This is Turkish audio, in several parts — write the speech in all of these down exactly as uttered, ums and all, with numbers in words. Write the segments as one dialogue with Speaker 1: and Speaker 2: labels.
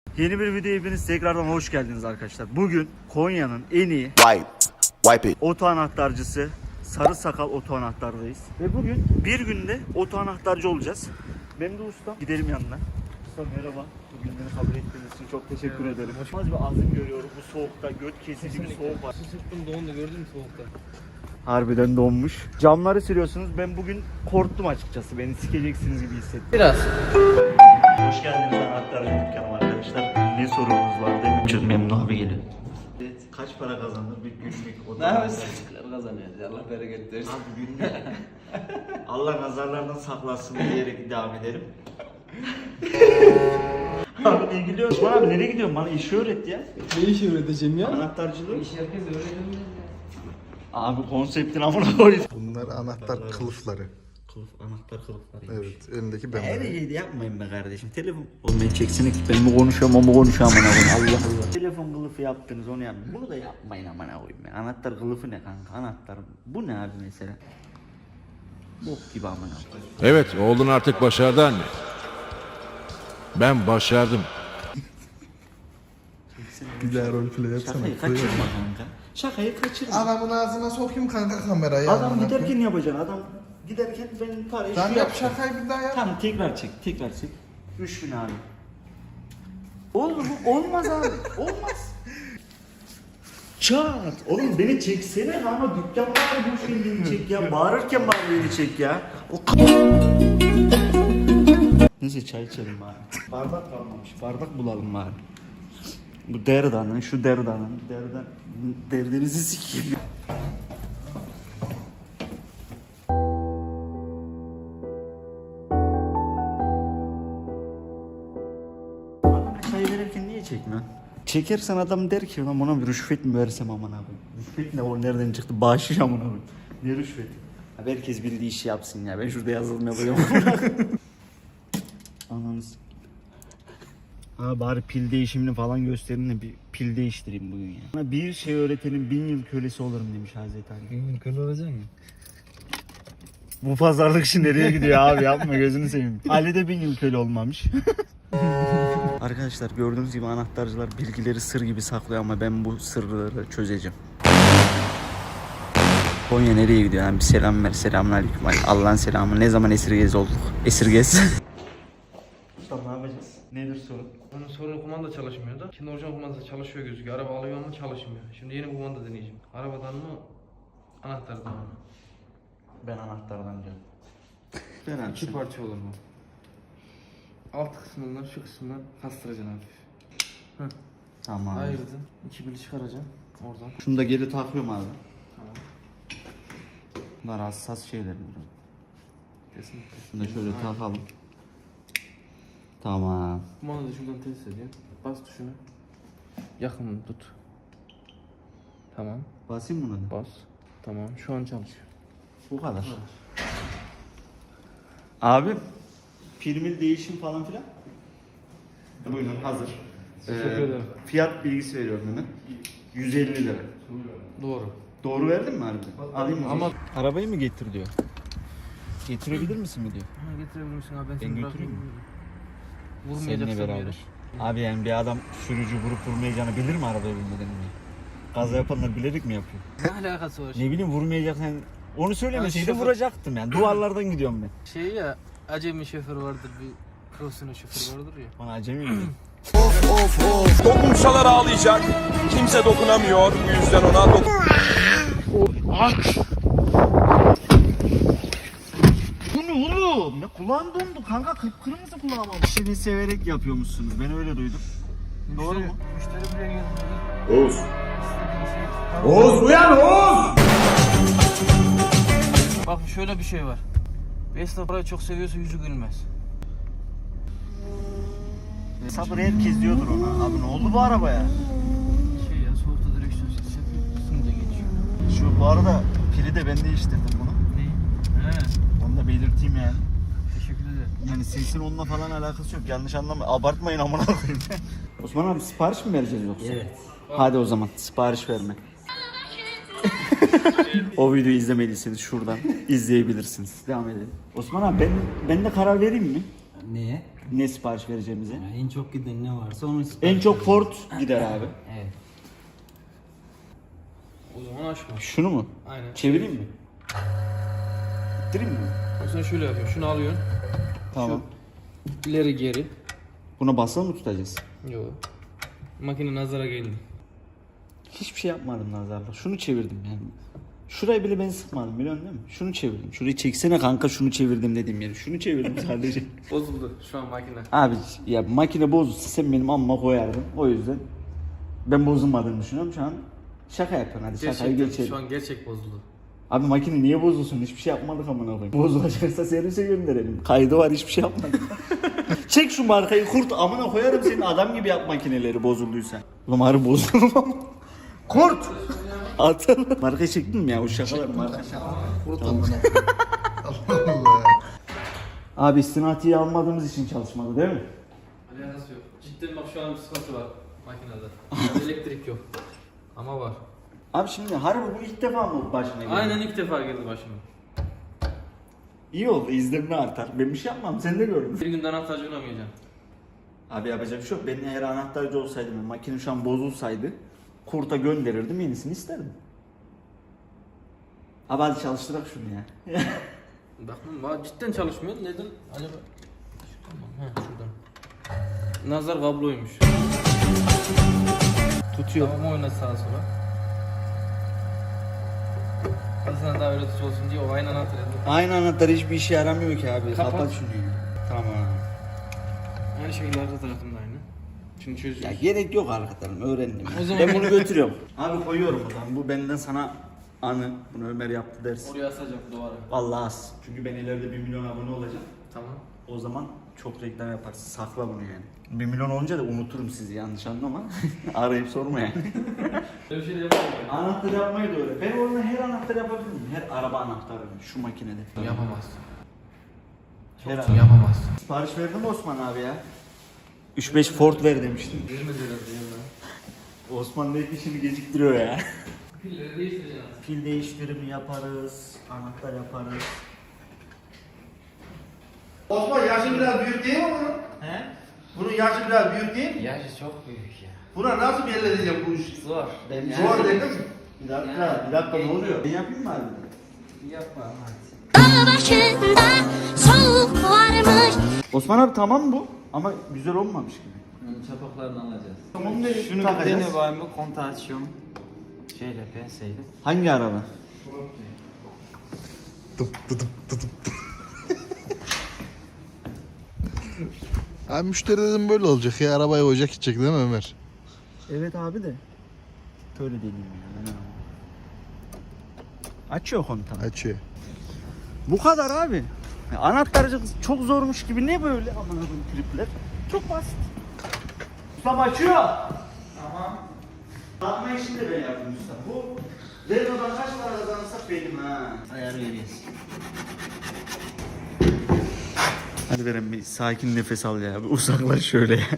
Speaker 1: Yeni bir videoya hepiniz tekrardan hoş geldiniz arkadaşlar. Bugün Konya'nın en iyi
Speaker 2: Wipe. Wipe it.
Speaker 1: oto anahtarcısı Sarı Sakal Oto Anahtar'dayız. Ve bugün bir günde oto anahtarcı olacağız. Benim de ustam. Gidelim yanına. Usta merhaba. Bugün beni kabul ettiğiniz için çok teşekkür evet, ederim. Az bir azim görüyorum bu soğukta. Göt kesici bir soğuk var.
Speaker 3: Sırtım dondu, gördün mü soğukta?
Speaker 1: Harbiden donmuş. Camları siliyorsunuz. Ben bugün korktum açıkçası. Beni sikeceksiniz gibi hissettim.
Speaker 3: Biraz.
Speaker 1: Hoş geldiniz anahtarcı dükkanıma arkadaşlar. Ne sorunuz var değil mi? Çok memnun abi geliyor. Evet, kaç para kazanır bir günlük oto
Speaker 3: Ne yapıyorsun?
Speaker 1: anahtarcı?
Speaker 3: Kazanıyoruz. Allah bereket versin.
Speaker 1: Abi günlük. Allah nazarlardan saklasın diyerek devam edelim. Abi ne gidiyorsun? Osman abi nereye gidiyorsun? Bana işi öğret ya.
Speaker 3: Ne iş öğreteceğim ya?
Speaker 1: Anahtarcılığı.
Speaker 3: İş herkes öğreniyor.
Speaker 1: Abi konseptin amına koy.
Speaker 4: Bunlar anahtar kılıfları.
Speaker 1: Kılıf, anahtar kılıfları.
Speaker 4: Evet, elindeki ben.
Speaker 1: Her şeyi yapmayın be kardeşim. Telefon. Oğlum ben çeksene ki ben mi konuşuyorum ama konuşuyorum amına koyayım. Allah Allah. Telefon kılıfı yaptınız onu yapmayın. Bunu da yapmayın amına koyayım ya. Anahtar kılıfı ne kanka? Anahtar. Bu ne abi mesela? Bok gibi amına koyayım.
Speaker 5: Evet, oğlun artık başardı anne. Ben başardım.
Speaker 4: Bir daha roleplay yapsana.
Speaker 1: Şakayı kaçırma kanka. Şakayı kaçırma.
Speaker 4: Adamın ağzına sokayım kanka kamerayı.
Speaker 1: Adam
Speaker 4: amına
Speaker 1: giderken
Speaker 4: koyayım.
Speaker 1: yapacaksın. Adam giderken ben parayı
Speaker 4: Tamam
Speaker 1: şu
Speaker 4: yap
Speaker 1: yap.
Speaker 4: şakayı bir daha yap.
Speaker 1: Tamam tekrar çek. Tekrar çek. üç bin abi. Oldu bu olmaz abi. Olmaz. Çat. Oğlum beni çeksene ama dükkan var bu filmini çek ya. Bağırırken bari beni çek ya. O Neyse çay içelim bari. Bardak kalmamış. Bardak bulalım bari. Bu derdanın, şu derdanın, derdan, derdinizi sikeyim. Adama çay verirken niye çekmiyorsun? Çekersen adam der ki lan buna bir rüşvet mi versem aman abi. Rüşvet ne o nereden çıktı? Bağışış aman abi. Ne rüşvet? Abi herkes bildiği işi yapsın ya. Ben şurada yazılım yapıyorum. Ananız. Ha bari pil değişimini falan gösterin de bir pil değiştireyim bugün ya. Bana bir şey öğretenin bin yıl kölesi olurum demiş Hazreti Ali.
Speaker 3: Gün köle olacak mı?
Speaker 1: Bu pazarlık işi nereye gidiyor abi yapma gözünü seveyim. Ali de bin yıl köle olmamış. Arkadaşlar gördüğünüz gibi anahtarcılar bilgileri sır gibi saklıyor ama ben bu sırları çözeceğim. Konya nereye gidiyor? Yani bir selam ver. Selamünaleyküm. Allah'ın selamı. Ne zaman esirgez olduk? Esirgez. Usta ne yapacağız? Nedir sorun?
Speaker 3: Onun sorunu kumanda çalışmıyordu. Şimdi orijinal kumandası çalışıyor gözüküyor. Araba alıyor ama çalışmıyor. Şimdi yeni kumanda deneyeceğim. Arabadan mı? Anahtardan mı?
Speaker 1: Ben anahtardan diyorum. Ben
Speaker 3: İki parça olur mu? Alt kısmından şu kısmından kastıracaksın hafif. Heh.
Speaker 1: Tamam.
Speaker 3: Ayırdın. İki bili çıkaracaksın. Oradan.
Speaker 1: Şunu da geri takıyorum abi.
Speaker 3: Tamam.
Speaker 1: Bunlar hassas şeyler bunlar.
Speaker 3: Kesinlikle.
Speaker 1: Şunu da şöyle takalım. Tamam.
Speaker 3: Kumandayı şuradan test ediyorsun. Bas tuşuna. Yakın tut. Tamam.
Speaker 1: Basayım buna da.
Speaker 3: Bas. Tamam. Şu an çalışıyor.
Speaker 1: Bu kadar. Abi filmin değişim falan filan. Buyurun hazır.
Speaker 3: Teşekkür ederim.
Speaker 1: Fiyat bilgisi veriyorum hemen. yüz elli lira.
Speaker 3: Doğru.
Speaker 1: Doğru verdin mi harbiden? Alayım mı?
Speaker 3: Ama-
Speaker 1: Arabayı mı getir diyor. Getirebilir misin mi diyor.
Speaker 3: Ha, getirebilir misin abi? Ben,
Speaker 1: Ben
Speaker 3: seni
Speaker 1: götüreyim mi?
Speaker 3: bırakayım.
Speaker 1: Seninle
Speaker 3: Vurmayacaksan
Speaker 1: beraber.
Speaker 3: yere.
Speaker 1: Abi yani bir adam sürücü vurup vurmayacağını bilir mi arabaya binmeden önce? Kaza yapanlar bilerek mi yapıyor?
Speaker 3: Ne alakası var?
Speaker 1: Ne bileyim vurmayacaksan onu söylemeseydi
Speaker 3: Ha, şoför-
Speaker 1: vuracaktım yani. Duvarlardan gidiyorum ben.
Speaker 3: Şey ya, acemi şoför vardır, bir profesyonel şoför vardır ya.
Speaker 1: Bana acemi mi?
Speaker 6: Dokunsalar ağlayacak. Kimse dokunamıyor. Bu yüzden ona dokun.
Speaker 1: Bu ne oğlum? Ne kulağım dondu kanka, kıpkırmızı kulağım ama. İşini severek yapıyormuşsunuz, ben öyle duydum. Doğru mu?
Speaker 3: Müşteri buraya geldi.
Speaker 6: Oğuz. Oğuz uyan Oğuz.
Speaker 3: Bak şöyle bir şey var. Esnaf parayı çok seviyorsa yüzü gülmez.
Speaker 1: Sabır herkes diyordur ona. Abi ne oldu bu arabaya?
Speaker 3: Şey ya, soğukta direksiyon sesi yapıyor. Üstünde geçiyor.
Speaker 1: Şu bu arada pili de ben değiştirdim bunu.
Speaker 3: Ne? He.
Speaker 1: Onu da belirteyim yani.
Speaker 3: Teşekkür ederim.
Speaker 1: Yani sesin onunla falan alakası yok. Yanlış anlama. Abartmayın amına koyayım. Osman abi sipariş mi vereceğiz yoksa? Evet. Hadi o zaman sipariş verme. O videoyu izlemediyseniz şuradan izleyebilirsiniz. Devam edelim. Osman abi ben ben de karar vereyim mi?
Speaker 7: Neye?
Speaker 1: ne sipariş vereceğimizi.
Speaker 2: Yani en çok giden ne varsa onu
Speaker 1: En
Speaker 2: sipariş
Speaker 1: çok
Speaker 2: edelim.
Speaker 1: Ford gider abi.
Speaker 2: Evet.
Speaker 3: O zaman açma.
Speaker 1: Şunu mu?
Speaker 3: Aynen.
Speaker 1: Çevireyim mi? İttireyim mi?
Speaker 3: Sen şöyle yapıyorsun. Şunu alıyorsun.
Speaker 1: Tamam.
Speaker 3: İleri geri.
Speaker 1: Buna basılı mı tutacağız?
Speaker 3: Yok. Makine nazara geldi.
Speaker 1: Hiçbir şey yapmadım nazarla. Şunu çevirdim yani. Şurayı bile ben sıkmadım biliyorsun değil mi? Şunu çevirdim. Şurayı çeksene kanka şunu çevirdim dediğim yeri. Şunu çevirdim sadece.
Speaker 3: Bozuldu şu an makine.
Speaker 1: Abi ya makine bozulsa sen benim amma koyardın. O yüzden ben bozulmadığını düşünüyorum şu an. Şaka yapıyorsun hadi şakayı
Speaker 3: Gerçekten
Speaker 1: geçelim.
Speaker 3: şu an gerçek bozuldu.
Speaker 1: Abi makine niye bozulsun? Hiçbir şey yapmadık amına koyayım. Bozulacaksa servise gönderelim. Kaydı var hiçbir şey yapmadık. Çek şu markayı kurt amına koyarım senin adam gibi yap makineleri bozulduysa. Ulan harbi bozulur ama. Kurt! Atalım. Markayı çektin mi ya o şakalar marka şaka.
Speaker 4: Kurt amına. Allah Allah.
Speaker 1: Abi istinatiyi almadığımız için çalışmadı değil mi?
Speaker 3: Alakası yok. Cidden bak şu an bir sıkıntı var makinede. Yani elektrik yok. Ama var.
Speaker 1: Abi şimdi harbi bu ilk defa mı başına geldi?
Speaker 3: Aynen ilk defa geldi başıma.
Speaker 1: İyi oldu izlenme artar. Ben bir şey yapmam sen de gördün.
Speaker 3: Bir günden anahtarcı oynamayacağım.
Speaker 1: Abi yapacak bir şey yok. Ben eğer anahtarcı olsaydım, makine şu an bozulsaydı kurta gönderirdim yenisini isterdim. Abi hadi çalıştırak şunu ya.
Speaker 3: Bakın bak cidden çalışmıyor. Neden? Acaba? Tamam. He şuradan. Nazar kabloymuş.
Speaker 1: Tutuyor.
Speaker 3: Tamam oyna sağa sola. Aslında daha öyle tuş olsun diye o aynı anahtar yazıyor.
Speaker 1: Aynı anahtar hiçbir işe yaramıyor ki abi. Kapat,
Speaker 3: Kapat.
Speaker 1: şunu ya. Tamam.
Speaker 3: Aynı şekilde arka tarafında aynı. Şimdi
Speaker 1: Ya
Speaker 3: çözüyoruz.
Speaker 1: gerek yok arkadaşlarım öğrendim.
Speaker 3: O zaman-
Speaker 1: Ben bunu götürüyorum. Abi koyuyorum o zaman. Bu benden sana anı. Bunu Ömer yaptı dersin.
Speaker 3: Oraya asacak duvara.
Speaker 1: Vallahi az. Çünkü ben ileride bir milyon abone olacağım.
Speaker 3: Tamam.
Speaker 1: O zaman çok reklam yaparsın. Sakla bunu yani. Bir milyon olunca da unuturum sizi yanlış anlama. Arayıp sorma yani.
Speaker 3: Öyle bir şey de yapalım.
Speaker 1: Anahtar yapmayı da öyle. Ben orada her anahtar yapabilir miyim? Her araba anahtarı şu makinede.
Speaker 3: Yapamazsın.
Speaker 1: Her
Speaker 3: Çok yapamazsın.
Speaker 1: Sipariş verdim Osman abi ya. üç beş Ford ver demiştim.
Speaker 3: Vermez herhalde ya.
Speaker 1: Osman belki işini geciktiriyor ya.
Speaker 3: Pilleri değiştireceğiz.
Speaker 1: Pil değiştirimi yaparız, anahtar yaparız.
Speaker 7: Osman yaşı biraz büyük değil mi bunun?
Speaker 2: He?
Speaker 7: Bunun yaşı biraz büyük değil mi?
Speaker 2: Yaşı çok büyük ya.
Speaker 7: Buna nasıl belli edeceğim bu işi?
Speaker 2: Zor. Ben
Speaker 7: Zor dedim.
Speaker 1: Bir dakika, bir dakika ne oluyor? Ben yapayım mı abi?
Speaker 2: Yapma hadi.
Speaker 8: Dağ başında soğuk varmış.
Speaker 1: Osman abi tamam bu ama güzel olmamış gibi.
Speaker 2: Onun çapaklarını alacağız.
Speaker 1: Tamam ne
Speaker 2: Şunu bir
Speaker 1: takacağız?
Speaker 2: dene bakayım bu kontağı açıyorum. Şeyle penseyle.
Speaker 1: Hangi araba?
Speaker 4: Tıp tıp tıp tıp. Abi müşteri dedim böyle olacak ya. Arabaya ocak gidecek değil mi Ömer?
Speaker 1: Evet abi de. Böyle değilim yani. Açıyor kontağı.
Speaker 4: Açıyor.
Speaker 1: Bu kadar abi. Ya anahtarcı çok zormuş gibi ne böyle aman abim tripler. Çok basit. Ustam açıyor. Tamam. Takma işini de ben yaptım usta. Bu Renault'dan kaç para kazanırsak benim ha. Ayar veriyoruz. Hadi Beren bir sakin nefes al ya. Bir uzaklaş şöyle ya.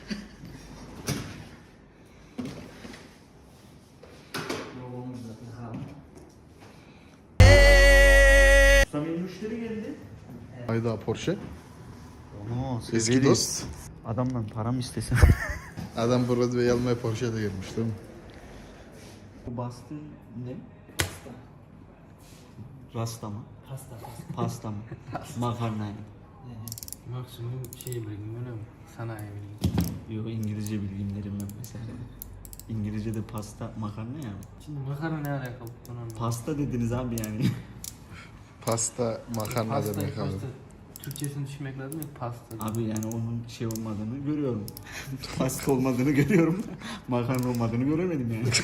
Speaker 1: Usta benim müşteri geldi.
Speaker 4: Hayda Porsche.
Speaker 1: Oo,
Speaker 4: Eski
Speaker 1: sevgili.
Speaker 4: dost.
Speaker 1: Adamdan para mı istesem?
Speaker 4: Adam Broadway almaya Porsche'de gelmiş değil mi?
Speaker 1: Bu bastı ne? Pasta. Rasta mı?
Speaker 2: Pasta pasta.
Speaker 1: Pasta mı? Makarna yani.
Speaker 3: Maksimum şey bilgim öyle mi? Sanayi bilgim.
Speaker 1: Yok İngilizce bilgimlerim yok mesela. İngilizce'de pasta makarna ya.
Speaker 3: Şimdi makarna ne alakalı? Ben anlamadım.
Speaker 1: Pasta dediniz abi yani.
Speaker 4: Pasta makarna
Speaker 3: Pasta,
Speaker 4: demek abi.
Speaker 3: pasta. Türkçesini düşünmek lazım ya pasta.
Speaker 1: Abi yani onun şey olmadığını görüyorum. Pasta olmadığını görüyorum. Makarna olmadığını göremedim yani.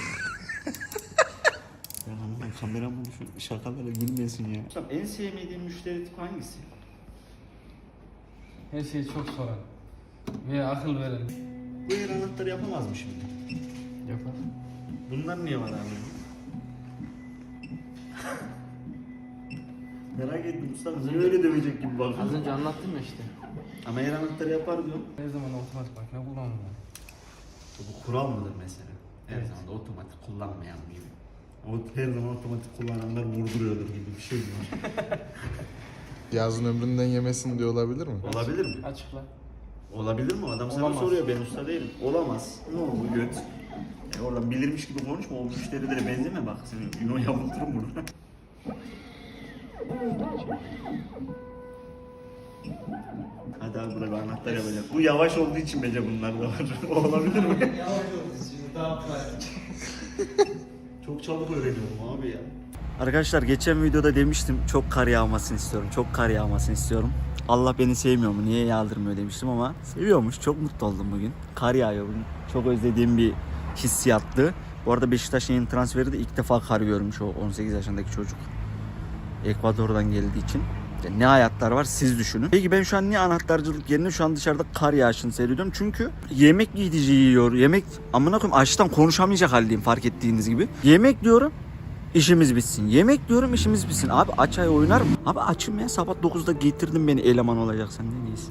Speaker 1: Ya hanım kameramı şu şakalara gülmesin ya. En sevmediğin müşteri tipi hangisi?
Speaker 3: Her şeyi çok soran. Ve akıl veren.
Speaker 1: Bu yer anahtarı yapamaz mı şimdi?
Speaker 3: Yapar.
Speaker 1: Bunlar niye var abi? Merak ettim usta. Niye öyle demeyecek gibi
Speaker 3: Az
Speaker 1: bakın.
Speaker 3: önce anlattım ya işte.
Speaker 1: Ama yer anahtarı yapar diyor.
Speaker 3: Her zaman otomatik makine kullanmıyor.
Speaker 1: Bu kural mıdır mesela? Her
Speaker 3: Evet.
Speaker 1: zaman da otomatik kullanmayan gibi. O her zaman otomatik kullananlar vurduruyordur gibi bir şey mi?
Speaker 4: Yazın ömründen yemesin diye olabilir mi?
Speaker 1: Olabilir mi?
Speaker 3: Açıkla.
Speaker 1: Olabilir mi? Adam sana
Speaker 3: Olamaz.
Speaker 1: soruyor, ben usta değilim. Olamaz. Ne oldu göt? E oradan bilirmiş gibi konuşma, o müşterilere benzeme bak. Seni Yuno yavulturum burada. Hadi abi burada bir anahtar yapacak. Bu yavaş olduğu için bence bunlar da var. Olabilir mi?
Speaker 2: Yavaş oldu şimdi daha pratik.
Speaker 1: Çok çabuk öğreniyorum abi ya. Arkadaşlar geçen videoda demiştim çok kar yağmasını istiyorum. Çok kar yağmasını istiyorum. Allah beni sevmiyor mu? Niye yağdırmıyor demiştim ama seviyormuş. Çok mutlu oldum bugün. Kar yağıyor bugün. Çok özlediğim bir hissiyattı. Bu arada Beşiktaş'ın yeni transferi de ilk defa kar görmüş o on sekiz yaşındaki çocuk. Ekvador'dan geldiği için. Ya ne hayatlar var siz düşünün. Peki ben şu an niye anahtarcılık yerine şu an dışarıda kar yağışını seyrediyorum? Çünkü yemek gidici yiyor. Yemek amına koyayım açtan konuşamayacak haldeyim fark ettiğiniz gibi. Yemek diyorum işimiz bitsin. Yemek diyorum işimiz bitsin. Abi aç ay oynar mı? Abi açım ya sabah dokuzda getirdin beni eleman olacaksan ne neyse.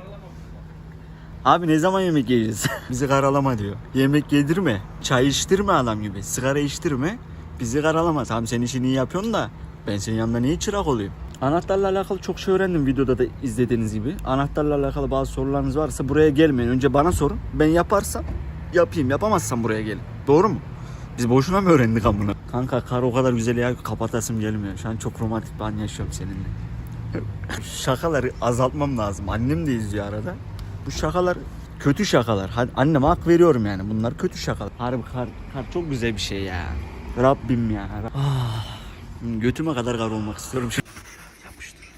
Speaker 1: Abi ne zaman yemek yiyeceğiz? Bizi karalama diyor. Yemek yedirme. Çay içtirme adam gibi. Sigara içtirme. Bizi karalama. Tamam sen işini iyi yapıyorsun da ben senin yanında niye çırak olayım? Anahtarla alakalı çok şey öğrendim videoda da izlediğiniz gibi. Anahtarla alakalı bazı sorularınız varsa buraya gelmeyin. Önce bana sorun. Ben yaparsam yapayım. Yapamazsam buraya gelin. Doğru mu? Biz boşuna mı öğrendik amına? Kanka kar o kadar güzel ya kapatasım gelmiyor. Şu an çok romantik bir an yaşıyorum seninle. Şakaları azaltmam lazım. Annem de izliyor arada. Bu şakalar kötü şakalar. Hadi anneme hak veriyorum yani. Bunlar kötü şakalar. Harbi kar, kar çok güzel bir şey ya. Rabbim ya. Ah, götüme kadar kar olmak istiyorum. Yapıştır.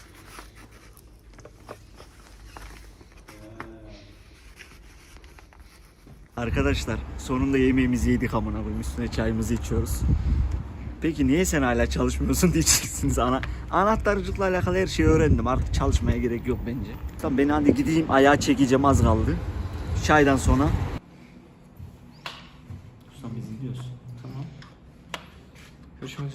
Speaker 1: Arkadaşlar sonunda yemeğimizi yedik amına koyayım. Üstüne çayımızı içiyoruz. Peki niye sen hala çalışmıyorsun diyeceksiniz. Ana, anahtarcılıkla alakalı her şeyi öğrendim. Artık çalışmaya gerek yok bence. Tamam ben hadi gideyim ayağa çekeceğim az kaldı. Çaydan sonra. Ustam biz gidiyoruz. Tamam.
Speaker 3: Görüşmek üzere.